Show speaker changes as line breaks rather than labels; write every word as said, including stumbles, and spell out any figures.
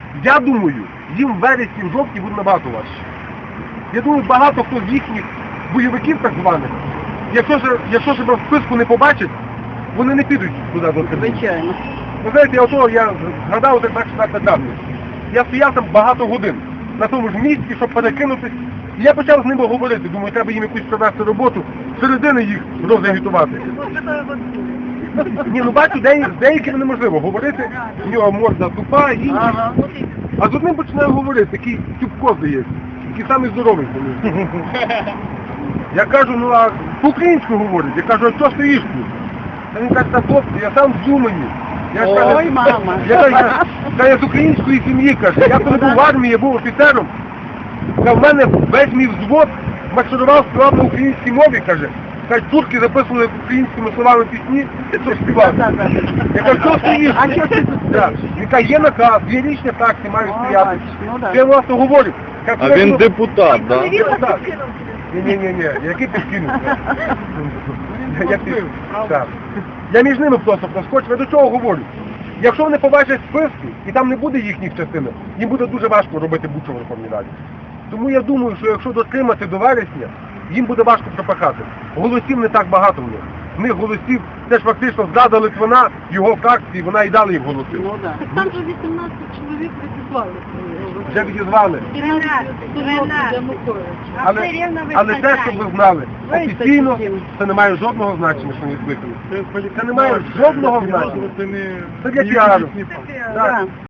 Я думаю, їм в вересні, в жовтні буде набагато важче. Я думаю, багато хто з їхніх бойовиків так званих, якщо ж, якщо ж в списку не побачать, вони не підуть туди до Криму.
Звичайно.
Ви знаєте, я ото, я згадав так так недавно. Я стояв там багато годин на тому ж місці, щоб перекинутись. І я почав з ними говорити. Думаю, треба їм якусь провести роботу, середини їх розагітувати. Ні, ну бачу, де, з деякими неможливо говорити, у нього морда тупа, інші.
Ага.
А з одним починаю говорити, такий тюбко здається, такий самий здоровий. Я кажу, ну а по-українську говорить. Я кажу, а що стоїш тут? Та він каже, та хлопці, я сам з Умані. Я ж,
Ой,
каже,
мама.
Я, я, я, я, я з української сім'ї, каже. Я коли був в армії, я був офіцером. Та в мене весь мій взвод марширував, співав на українській мові, каже. Каже, турки записували українськими словами пісні, щоб співати. Я кажу, що стоїш?
А що ти тут стоїш?
Він каже, є наказ, є річні такси, маю
О,
стояти.
бачиш, ну да.
Я власне говорю. Кажу,
А
«Коли
він
я-
депутат, да?
Ні-ні-ні, який підкинув? Я пів. Так. Я між ними просто проскочив. Я до чого говорю? Якщо вони побачать списки, і там не буде їхніх частин, їм буде дуже важко робити будь-що в Верховній Раді. Тому я думаю, що якщо дотримати до вересня, їм буде важко пропахати. Голосів не так багато в них. В них голосів, це ж фактично зрада Литвина, його фракції, вона і дала їм голоси.
Ну да.
Так там же вісімнадцять чоловік відізвали.
Вже відізвали. Але, але те, щоб ви знали, офіційно це не має жодного значення, що вони скликали. Це не має жодного значення. Це для піару.
Да.